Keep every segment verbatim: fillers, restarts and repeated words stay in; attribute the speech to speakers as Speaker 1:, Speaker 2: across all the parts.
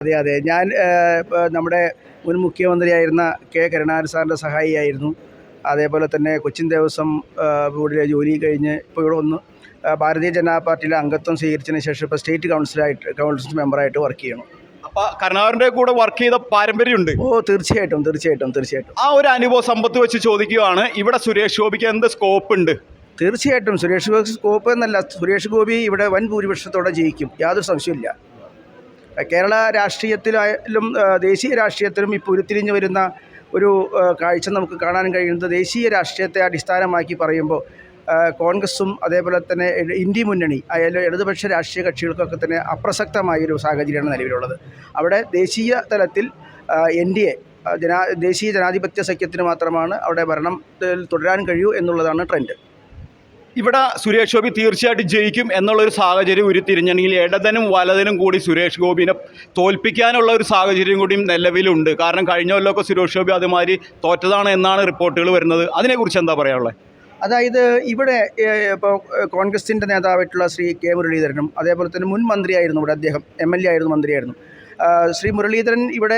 Speaker 1: അതെ അതെ ഞാൻ നമ്മുടെ മുൻ മുഖ്യമന്ത്രിയായിരുന്ന കെ കരുണാകരൻ സാറിൻ്റെ സഹായിയായിരുന്നു. അതേപോലെ തന്നെ കൊച്ചിൻ ദേവസ്വം ബോർഡിലെ ജോലി കഴിഞ്ഞ് ഇപ്പോൾ ഇവിടെ വന്ന് ഭാരതീയ ജനതാ പാർട്ടിയിലെ അംഗത്വം സ്വീകരിച്ചതിന് ശേഷം ഇപ്പോൾ സ്റ്റേറ്റ് കൗൺസിലായിട്ട് കൗൺസിൽ മെമ്പറായിട്ട് വർക്ക് ചെയ്യണം.
Speaker 2: അപ്പോൾ കരുണാകരൻ്റെ കൂടെ വർക്ക് ചെയ്ത പാരമ്പര്യമുണ്ട്?
Speaker 1: ഓ തീർച്ചയായിട്ടും തീർച്ചയായിട്ടും തീർച്ചയായിട്ടും
Speaker 2: ആ ഒരു അനുഭവ സമ്പത്ത് വെച്ച് ചോദിക്കുകയാണ്, ഇവിടെ സുരേഷ് ഗോപിക്ക് എന്ത് സ്കോപ്പ് ഉണ്ട്?
Speaker 1: തീർച്ചയായിട്ടും സുരേഷ് ഗോപി സ്കോപ്പ് എന്നല്ല, സുരേഷ് ഗോപി ഇവിടെ വൻ ഭൂരിപക്ഷത്തോടെ ജയിക്കും, യാതൊരു സംശയമില്ല. കേരള രാഷ്ട്രീയത്തിലായാലും ദേശീയ രാഷ്ട്രീയത്തിലും ഇപ്പോൾ ഉരുത്തിരിഞ്ഞു വരുന്ന ഒരു കാഴ്ച നമുക്ക് കാണാൻ കഴിയുന്നത്, ദേശീയ രാഷ്ട്രീയത്തെ അടിസ്ഥാനമാക്കി പറയുമ്പോൾ കോൺഗ്രസും അതേപോലെ തന്നെ ഇന്ത്യ മുന്നണി ആയാലും ഇടതുപക്ഷ രാഷ്ട്രീയ കക്ഷികൾക്കൊക്കെ തന്നെ അപ്രസക്തമായൊരു സാഹചര്യമാണ് നിലവിലുള്ളത്. അവിടെ ദേശീയ തലത്തിൽ എൻ ഡി എ ജനാ ദേശീയ ജനാധിപത്യ സഖ്യത്തിന് മാത്രമാണ് അവിടെ ഭരണം തുടരാൻ കഴിയൂ എന്നുള്ളതാണ് ട്രെൻഡ്.
Speaker 2: ഇവിടെ സുരേഷ് ഗോപി തീർച്ചയായിട്ടും ജയിക്കും എന്നുള്ളൊരു സാഹചര്യം ഉരുത്തിരിഞ്ഞെങ്കിൽ ഇടതനും വലതനും കൂടി സുരേഷ് ഗോപിനെ തോൽപ്പിക്കാനുള്ള ഒരു സാഹചര്യം കൂടിയും നിലവിലുണ്ട്. കാരണം കഴിഞ്ഞ കൊല്ലമൊക്കെ സുരേഷ് ഗോപി അതുമാതിരി തോറ്റതാണ് എന്നാണ് റിപ്പോർട്ടുകൾ വരുന്നത്. അതിനെക്കുറിച്ച് എന്താ പറയാനുള്ളത്?
Speaker 1: അതായത് ഇവിടെ ഇപ്പോൾ കോൺഗ്രസിൻ്റെ നേതാവായിട്ടുള്ള ശ്രീ കെ മുരളീധരനും അതേപോലെ തന്നെ മുൻ മന്ത്രിയായിരുന്നു ഇവിടെ, അദ്ദേഹം എം എൽ എ ആയിരുന്നു, മന്ത്രിയായിരുന്നു. ശ്രീ മുരളീധരൻ ഇവിടെ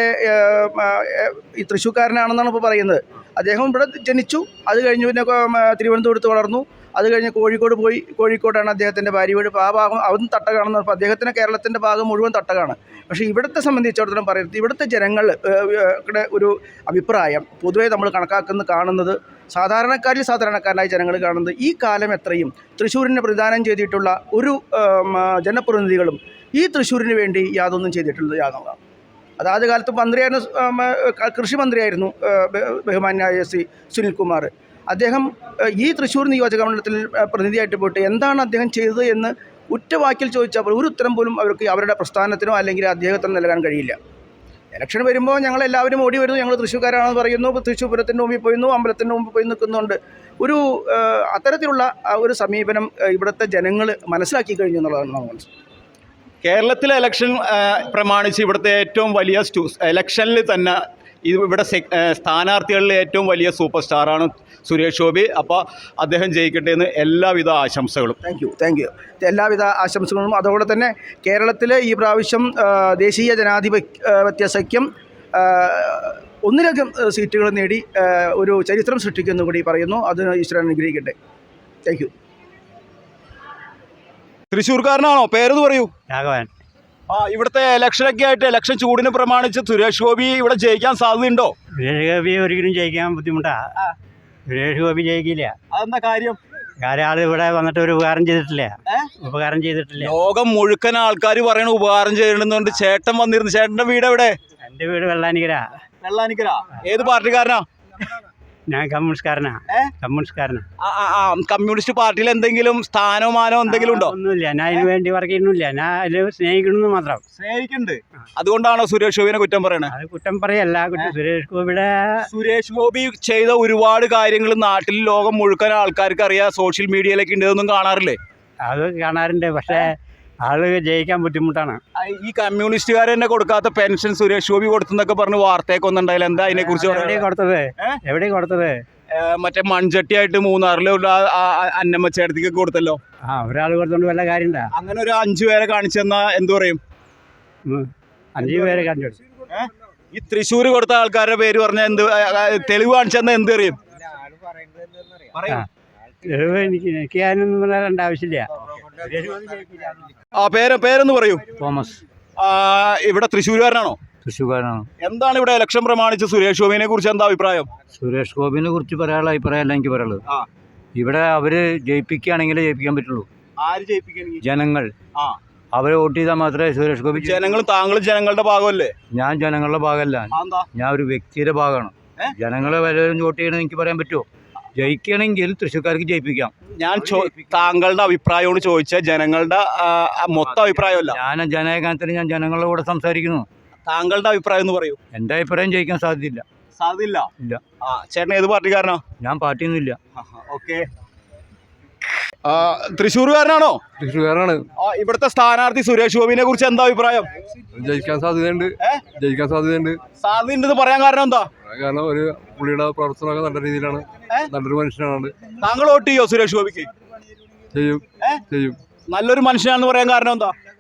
Speaker 1: ഈ തൃശ്ശൂർക്കാരനാണെന്നാണ് ഇപ്പോൾ പറയുന്നത്. അദ്ദേഹം ഇവിടെ ജനിച്ചു, അത് കഴിഞ്ഞ് പിന്നെ തിരുവനന്തപുരത്ത് വളർന്നു, അത് കഴിഞ്ഞ് കോഴിക്കോട് പോയി, കോഴിക്കോടാണ് അദ്ദേഹത്തിൻ്റെ ഭാര്യ വീട്. ആ ഭാഗം അതും തട്ടകാണെന്ന് പറഞ്ഞപ്പോൾ അദ്ദേഹത്തിന് കേരളത്തിൻ്റെ ഭാഗം മുഴുവൻ തട്ടകാണ്. പക്ഷേ ഇവിടുത്തെ സംബന്ധിച്ചിടത്തോളം പറയുന്നത്, ഇവിടുത്തെ ജനങ്ങളുടെ ഒരു അഭിപ്രായം പൊതുവേ നമ്മൾ കണക്കാക്കുന്ന കാണുന്നത്, സാധാരണക്കാരിൽ സാധാരണക്കാരനായ ജനങ്ങൾ കാണുന്നത്, ഈ കാലം എത്രയും തൃശ്ശൂരിനെ പ്രതിദാനം ചെയ്തിട്ടുള്ള ഒരു ജനപ്രതിനിധികളും ഈ തൃശ്ശൂരിന് വേണ്ടി യാതൊന്നും ചെയ്തിട്ടുള്ളത് യാതൊന്നാണ്. അത് ആദ്യ കാലത്ത് മന്ത്രിയായിരുന്നു, കൃഷി മന്ത്രിയായിരുന്നു ബഹുമാന്യായ ശ്രീ സുനിൽകുമാർ. അദ്ദേഹം ഈ തൃശ്ശൂർ നിയോജകമണ്ഡലത്തിൽ പ്രതിനിധിയായിട്ട് പോയിട്ട് എന്താണ് അദ്ദേഹം ചെയ്തത് എന്ന് ഉറ്റവാക്കിൽ ചോദിച്ചാൽ ഒരു ഉത്തരം പോലും അവർക്ക് അവരുടെ പ്രസ്ഥാനത്തിനോ അല്ലെങ്കിൽ അദ്ദേഹത്തിനോ നൽകാൻ കഴിയില്ല. ഇലക്ഷൻ വരുമ്പോൾ ഞങ്ങളെല്ലാവരും ഓടി വരുന്നു, ഞങ്ങൾ തൃശ്ശൂർക്കാരാണെന്ന് പറയുന്നു, തൃശ്ശൂർ പൂരത്തിൻ്റെ മുമ്പിൽ പോയിരുന്നു, അമ്പലത്തിൻ്റെ മുമ്പിൽ പോയി നിൽക്കുന്നുണ്ട്. ഒരു അത്തരത്തിലുള്ള ഒരു സമീപനം ഇവിടുത്തെ ജനങ്ങൾ മനസ്സിലാക്കി കഴിഞ്ഞു എന്നുള്ളതാണ് നമ്മൾ മനസ്സിലാക്കുന്നത്.
Speaker 2: കേരളത്തിലെ ഇലക്ഷൻ പ്രമാണിച്ച് ഇവിടുത്തെ ഏറ്റവും വലിയ സ്റ്റു ഇലക്ഷനിൽ തന്നെ ഇവിടെ സ്ഥാനാർത്ഥികളിലെ ഏറ്റവും വലിയ സൂപ്പർ സ്റ്റാറാണ് സുരേഷ് ഗോപി. അപ്പോൾ അദ്ദേഹം ജയിക്കട്ടെ എന്ന് എല്ലാവിധ ആശംസകളും.
Speaker 1: താങ്ക് യു താങ്ക് യു എല്ലാവിധ ആശംസകളും. അതോടെ തന്നെ കേരളത്തിൽ ഈ പ്രാവശ്യം ദേശീയ ജനാധിപത്യ സഖ്യം ഒന്നിലധികം സീറ്റുകൾ നേടി ഒരു ചരിത്രം സൃഷ്ടിക്കുമെന്ന് കൂടി പറയുന്നു. അത് ഈശ്വരൻ അനുഗ്രഹിക്കട്ടെ. Thank you.
Speaker 2: തൃശ്ശൂർക്കാരനാണോ? പേരെന്ന് പറയൂ.
Speaker 3: രാഘവൻ.
Speaker 2: ആ ഇവിടുത്തെ ഇലക്ഷനൊക്കെ ആയിട്ട് ഇലക്ഷൻ ചൂടിനെ പ്രമാണിച്ച് സുരേഷ് ഗോപി ഇവിടെ ജയിക്കാൻ സാധ്യതയുണ്ടോ?
Speaker 3: സുരേഷ് ഗോപി ഒരിക്കലും ജയിക്കാൻ ബുദ്ധിമുട്ടാ. സുരേഷ് ഗോപി ജയിക്കില്ല.
Speaker 2: അതെന്താ കാര്യം?
Speaker 3: കാര്യം ആൾ ഇവിടെ വന്നിട്ട് ഒരു ഉപകാരം ചെയ്തിട്ടില്ല. ഉപകാരം ചെയ്തിട്ടില്ല.
Speaker 2: ലോകം മുഴുക്കൻ ആൾക്കാർ പറയണ ഉപകാരം ചെയ്യണമെന്നുണ്ട്. ചേട്ടൻ വന്നിരുന്നു. ചേട്ടന്റെ വീട് എവിടെ?
Speaker 3: എൻ്റെ വീട് വെള്ളാനിക്കര.
Speaker 2: വെള്ളാനിക്കര. ഏത് പാർട്ടിക്കാരനാ?
Speaker 3: ഞാൻ കമ്മ്യൂണിസ്റ്റ്കാരനാ. കമ്മ്യൂണിസ്റ്റ്കാരനാ.
Speaker 2: കമ്മ്യൂണിസ്റ്റ് പാർട്ടിയിൽ എന്തെങ്കിലും സ്ഥാനമാനോ എന്തെങ്കിലും ഉണ്ടോ?
Speaker 3: ഒന്നുമില്ല. ഞാൻ അതിന് വേണ്ടി വർക്ക് ചെയ്യുന്നില്ല. ഞാൻ അതിൽ സ്നേഹിക്കണമെന്ന് മാത്രം.
Speaker 2: സ്നേഹിക്കുന്നുണ്ട്. അതുകൊണ്ടാണോ സുരേഷ് ഗോപിനെ കുറ്റം പറയണത്?
Speaker 3: അത് കുറ്റം പറയല്ല. സുരേഷ് ഗോപിയുടെ
Speaker 2: സുരേഷ് ഗോപി ചെയ്ത ഒരുപാട് കാര്യങ്ങൾ നാട്ടിൽ ലോകം മുഴുക്കൻ ആൾക്കാർക്ക് അറിയാം. സോഷ്യൽ മീഡിയയിലൊക്കെ ഉണ്ട്. ഇതൊന്നും കാണാറില്ലേ?
Speaker 3: അത് കാണാറുണ്ട്. പക്ഷേ ആള് ജയിക്കാൻ ബുദ്ധിമുട്ടാണ്.
Speaker 2: ഈ കമ്മ്യൂണിസ്റ്റുകാർ തന്നെ കൊടുക്കാത്ത പെൻഷൻ സുരേഷ് ഗോപി കൊടുത്തെന്നൊക്കെ പറഞ്ഞ് വാർത്തയൊക്കെ ഒന്നുണ്ടായില്ല. എന്താ അതിനെ കുറിച്ച്?
Speaker 3: എവിടെ കൊടുത്തത്? എവിടെ കൊടുത്തത്?
Speaker 2: മറ്റേ മൺചട്ടിയായിട്ട് മൂന്നാറിലുള്ള അന്നമ്മ ചേട്ടത്തിക്കൊക്കെ കൊടുത്തല്ലോ.
Speaker 3: ആ ഒരാൾ കൊടുത്തോണ്ട് വല്ല കാര്യമുണ്ടാ?
Speaker 2: അങ്ങനെ ഒരു അഞ്ചു പേരെ കാണിച്ചെന്നാ എന്തു പറയും?
Speaker 3: അഞ്ചു പേരെ കാണിച്ചു.
Speaker 2: ഈ തൃശ്ശൂർ കൊടുത്ത ആൾക്കാരുടെ പേര് പറഞ്ഞാൽ എന്ത് തെളിവ് കാണിച്ചെന്നാ എന്ത് അറിയും?
Speaker 3: തെളിവ് എനിക്ക് എനിക്ക് അതിനൊന്നും പറയേണ്ട ആവശ്യമില്ല.
Speaker 2: ആ പേര് പേരൊന്ന് പറയൂ.
Speaker 3: തോമസ്.
Speaker 2: ഇവിടെ തൃശ്ശൂർകാരനാണോ?
Speaker 3: തൃശ്ശൂർകാരനാണ്.
Speaker 2: എന്താണ് ഇവിടെ ഇലക്ഷൻ പ്രമാണിച്ച് സുരേഷ് ഗോപിനെ കുറിച്ച് എന്താ അഭിപ്രായം?
Speaker 3: സുരേഷ് ഗോപിനെ കുറിച്ച് പറയാനുള്ള അഭിപ്രായമല്ല എനിക്ക് പറയുള്ളത്. ഇവിടെ അവര് ജയിപ്പിക്കുകയാണെങ്കിലേ ജയിപ്പിക്കാൻ പറ്റുള്ളൂ.
Speaker 2: ആര് ജയിപ്പിക്കുകയാണെങ്കിൽ?
Speaker 3: ജനങ്ങൾ. അവരെ വോട്ട് ചെയ്താൽ മാത്രമേ സുരേഷ് ഗോപി.
Speaker 2: ജനങ്ങൾ താങ്കൾ ജനങ്ങളുടെ ഭാഗമല്ലേ?
Speaker 3: ഞാൻ ജനങ്ങളുടെ ഭാഗമല്ല. ഞാൻ ഒരു വ്യക്തിയുടെ ഭാഗമാണ്. ജനങ്ങളെ വല്ലവരും വോട്ട് ചെയ്യണമെന്ന് എനിക്ക് പറയാൻ പറ്റുമോ? ജയിക്കണമെങ്കിൽ തൃശ്ശൂർക്കാർക്ക് ജയിപ്പിക്കാം.
Speaker 2: ഞാൻ താങ്കളുടെ അഭിപ്രായമാണ് ചോദിച്ച, ജനങ്ങളുടെ മൊത്തം അഭിപ്രായമല്ല.
Speaker 3: ഞാൻ ജനകാലത്തിന് ഞാൻ ജനങ്ങളുടെ കൂടെ സംസാരിക്കുന്നു.
Speaker 2: താങ്കളുടെ അഭിപ്രായം എന്ന് പറയൂ.
Speaker 3: എൻ്റെ അഭിപ്രായം ജയിക്കാൻ സാധ്യതയില്ല.
Speaker 2: സാധ്യതയില്ല?
Speaker 3: ഇല്ല.
Speaker 2: ആ ചേട്ടൻ ഏത് പാർട്ടിക്കാരനാ?
Speaker 3: ഞാൻ പാർട്ടിയൊന്നും ഇല്ല.
Speaker 2: ഓക്കെ. തൃശ്ശൂർകാരനാണോ?
Speaker 4: തൃശ്ശൂർകാരാണ്.
Speaker 2: ഇവിടുത്തെ സ്ഥാനാർത്ഥി സുരേഷ് ഗോപിനെ കുറിച്ച് എന്താ അഭിപ്രായം?
Speaker 4: ജയിക്കാൻ സാധ്യതയുണ്ട്. ജയിക്കാൻ സാധ്യതയുണ്ട്.
Speaker 2: സാധ്യതയുണ്ടെന്ന് പറയാൻ കാരണം എന്താ?
Speaker 4: കാരണം ഒരു പുള്ളിയുടെ പ്രവർത്തനമൊക്കെ നല്ല രീതിയിലാണ്. നല്ലൊരു മനുഷ്യനാണ്.
Speaker 2: താങ്കൾ വോട്ട് ചെയ്യോ സുരേഷ് ഗോപിക്ക്?
Speaker 4: ചെയ്യും ചെയ്യും.
Speaker 2: നല്ലൊരു മനുഷ്യനാണെന്ന് പറയാൻ കാരണം എന്താ?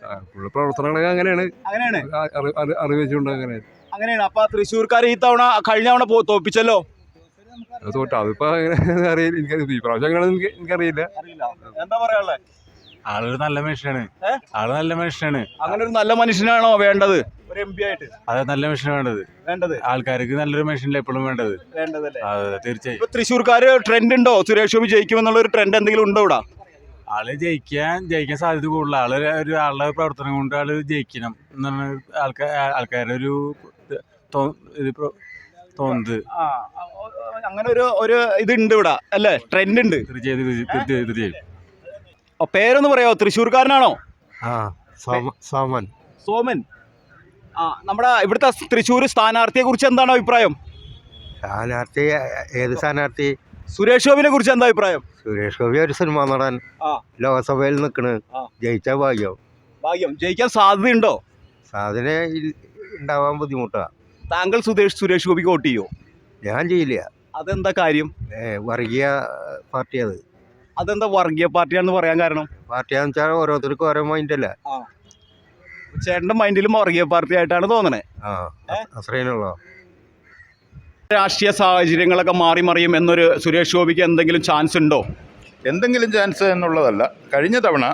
Speaker 4: ആ, പുള്ളി പ്രവർത്തനങ്ങളൊക്കെ അങ്ങനെയാണ്
Speaker 2: അങ്ങനെയാണ്
Speaker 4: ആ, അറി- അറി- അറിവ് വെച്ചുകൊണ്ട് അങ്ങനെ
Speaker 2: അങ്ങനെയാണ്. അപ്പൊ തൃശ്ശൂർക്കാർ ഈ തവണ കഴിഞ്ഞ തവണ പോ- തോൽപ്പിച്ചല്ലോ.
Speaker 4: അത് തോറ്റ അതിപ്പോ അങ്ങനെ അറിയില്ല, എനിക്ക് ഈ പ്രാവശ്യം അങ്ങനെ എനിക്ക് എനിക്കറിയില്ല.
Speaker 2: എന്താ പറയാനുള്ളത്?
Speaker 5: ആളൊരു നല്ല മനുഷ്യനാണ്. ആള് നല്ല മനുഷ്യനാണ്.
Speaker 2: അങ്ങനെ ഒരു നല്ല മനുഷ്യനാണോ വേണ്ടത് ഒരു എം പി ആയിട്ട്?
Speaker 5: അതെ, നല്ല മനുഷ്യനാണ് വേണ്ടത്.
Speaker 2: വേണ്ടത്
Speaker 5: ആൾക്കാർക്ക് നല്ലൊരു മനുഷ്യനല്ലേ എപ്പോഴും വേണ്ടത്.
Speaker 2: വേണ്ടതല്ലേ?
Speaker 5: അതെ, തീർച്ചയായും.
Speaker 2: ഇപ്പൊ തൃശ്ശൂർക്കാര് ട്രെൻഡ് ഉണ്ടോ? സുരേഷ് ഗോപി ജയിക്കുമെന്നുള്ള ഒരു ട്രെൻഡ് എന്തെങ്കിലും ഉണ്ടോ ഇവിടെ?
Speaker 5: ആള് ജയിക്കാൻ ജയിക്കാൻ സാധ്യത കൂടുതൽ. ആള് ഒരു ആളുടെ പ്രവർത്തനം കൊണ്ട് ആള് ജയിക്കണം എന്നാണ് ആൾക്കാർ ആൾക്കാരുടെ ഒരു തോ- ഇത് പ്രോ- തോന്നുന്നത്.
Speaker 2: ആ, അങ്ങനെ ഒരു ഒരു ഇതുണ്ട് ഇവിടെ അല്ലേ? ട്രെൻഡ് ഉണ്ട്.
Speaker 5: തീർച്ചയായും തീർച്ചയായും തീർച്ചയായും.
Speaker 2: അപ്പൊ പേരൊന്ന് പറയാമോ? തൃശ്ശൂർക്കാരനാണോ?
Speaker 6: ആ സോമ- സോമൻ
Speaker 2: സോമൻ. ആ, നമ്മുടെ ഇവിടുത്തെ തൃശ്ശൂർ സ്ഥാനാർത്ഥിയെ കുറിച്ച് എന്താണ് അഭിപ്രായം?
Speaker 6: സ്ഥാനാർത്ഥി ഏത് സ്ഥാനാർത്ഥി?
Speaker 2: സുരേഷ് ഗോപിനെ കുറിച്ച് എന്താ അഭിപ്രായം?
Speaker 6: സുരേഷ് ഗോപി ഒരു സിനിമ നടൻ,
Speaker 2: ആ.
Speaker 6: ലോകസഭയിൽ നിൽക്കണ്,
Speaker 2: ആ.
Speaker 6: ജയിച്ചാൽ ഭാഗ്യം.
Speaker 2: ഭാഗ്യം. ജയിക്കാൻ സാധ്യതയുണ്ടോ?
Speaker 6: സാധന ഉണ്ടാവാൻ ബുദ്ധിമുട്ടാ.
Speaker 2: താങ്കൾ സുരേഷ് സുരേഷ് ഗോപിക്ക് വോട്ട് ചെയ്യോ?
Speaker 6: ഞാൻ ചെയ്യില്ല.
Speaker 2: അതെന്താ കാര്യം?
Speaker 6: ഏ, വർഗീയ പാർട്ടി അത്.
Speaker 2: അതെന്താ വർഗീയ പാർട്ടിയാണെന്ന് പറയാൻ കാരണം?
Speaker 6: പാർട്ടിയാന്ന് വെച്ചാൽ ഓരോരുത്തർക്കും ഓരോ മൈൻഡല്ല.
Speaker 2: ചേട്ടന്റെ മൈൻഡിലും വർഗീയ പാർട്ടി ആയിട്ടാണ് തോന്നണേ.
Speaker 6: ആ അത്രേനുള്ളോ.
Speaker 2: രാഷ്ട്രീയ സാഹചര്യങ്ങളൊക്കെ മാറി മറിയും എന്നൊരു സുരേഷ് ഗോപിക്ക് എന്തെങ്കിലും ചാൻസ് ഉണ്ടോ?
Speaker 7: എന്തെങ്കിലും ചാൻസ് എന്നുള്ളതല്ല. കഴിഞ്ഞ തവണ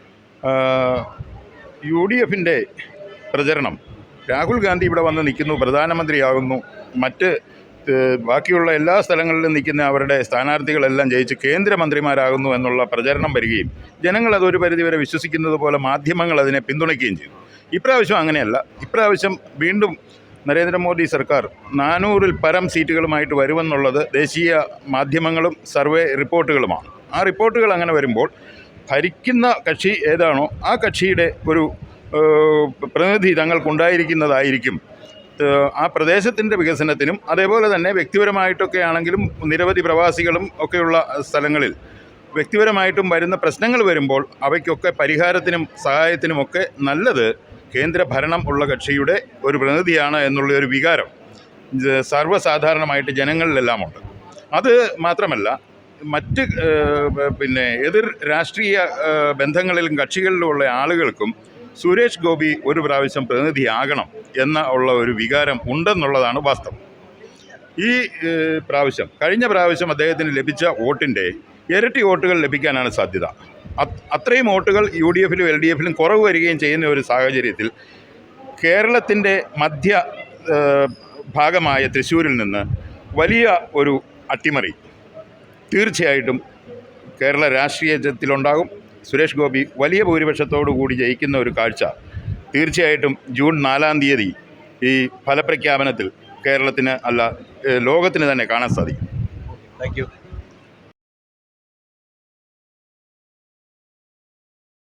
Speaker 7: യു ഡി എഫിൻ്റെ പ്രചരണം രാഹുൽ ഗാന്ധി ഇവിടെ വന്ന് നിൽക്കുന്നു, പ്രധാനമന്ത്രിയാകുന്നു, മറ്റ് ഏഹ്, ബാക്കിയുള്ള എല്ലാ സ്ഥലങ്ങളിലും നിൽക്കുന്ന അവരുടെ സ്ഥാനാർത്ഥികളെല്ലാം ജയിച്ച് കേന്ദ്രമന്ത്രിമാരാകുന്നു എന്നുള്ള പ്രചരണം വരികയും ജനങ്ങൾ അതൊരു പരിധിവരെ വിശ്വസിക്കുന്നത് പോലെ മാധ്യമങ്ങൾ അതിനെ പിന്തുണയ്ക്കുകയും ചെയ്തു. ഇപ്രാവശ്യം അങ്ങനെയല്ല. ഇപ്രാവശ്യം വീണ്ടും നരേന്ദ്രമോദി സർക്കാർ നാനൂറിൽ പരം സീറ്റുകളുമായിട്ട് വരുമെന്നുള്ളത് ദേശീയ മാധ്യമങ്ങളും സർവേ റിപ്പോർട്ടുകളുമാണ്. ആ റിപ്പോർട്ടുകൾ അങ്ങനെ വരുമ്പോൾ ഭരിക്കുന്ന കക്ഷി ഏതാണോ ആ കക്ഷിയുടെ ഒരു ഏഹ്, പ്രതിനിധി തങ്ങൾക്കുണ്ടായിരിക്കുന്നതായിരിക്കും ഏഹ്, ആ പ്രദേശത്തിൻ്റെ വികസനത്തിനും അതേപോലെ തന്നെ വ്യക്തിപരമായിട്ടൊക്കെ ആണെങ്കിലും നിരവധി പ്രവാസികളും ഒക്കെയുള്ള സ്ഥലങ്ങളിൽ വ്യക്തിപരമായിട്ടും വരുന്ന പ്രശ്നങ്ങൾ വരുമ്പോൾ അവയ്ക്കൊക്കെ പരിഹാരത്തിനും സഹായത്തിനുമൊക്കെ നല്ലത് കേന്ദ്ര ഭരണം ഉള്ള കക്ഷിയുടെ ഒരു പ്രതിനിധിയാണ് എന്നുള്ള ഒരു വികാരം ഇത് സർവ്വസാധാരണമായിട്ട് ജനങ്ങളിലെല്ലാമുണ്ട്. അത് മാത്രമല്ല, മറ്റ് ഏഹ്, പിന്നെ എതിർ രാഷ്ട്രീയ ഏഹ്, ബന്ധങ്ങളിലും കക്ഷികളിലുമുള്ള ആളുകൾക്കും സുരേഷ് ഗോപി ഒരു പ്രാവശ്യം പ്രതിനിധിയാകണം എന്ന ഉള്ള ഒരു വികാരം ഉണ്ടെന്നുള്ളതാണ് വാസ്തവം. ഈ ഏഹ്, പ്രാവശ്യം കഴിഞ്ഞ പ്രാവശ്യം അദ്ദേഹത്തിന് ലഭിച്ച വോട്ടിൻ്റെ ഇരട്ടി വോട്ടുകൾ ലഭിക്കാനാണ് സാധ്യത. അത്രയും വോട്ടുകൾ യു ഡി എഫിലും എൽ ഡി എഫിലും കുറവ് വരികയും ചെയ്യുന്ന ഒരു സാഹചര്യത്തിൽ കേരളത്തിൻ്റെ മധ്യ ഏഹ്, ഭാഗമായ തൃശ്ശൂരിൽ നിന്ന് വലിയ ഒരു അട്ടിമറി തീർച്ചയായിട്ടും കേരള രാഷ്ട്രീയത്തിലുണ്ടാകും. സുരേഷ് ഗോപി വലിയ ഭൂരിപക്ഷത്തോടു കൂടി ജയിക്കുന്ന ഒരു കാഴ്ച തീർച്ചയായിട്ടും ജൂൺ നാലാം തീയതി ഈ ഫലപ്രഖ്യാപനത്തിൽ കേരളത്തിന് അല്ല ഏഹ്, ലോകത്തിന് തന്നെ കാണാൻ സാധിക്കും.
Speaker 2: Thank U.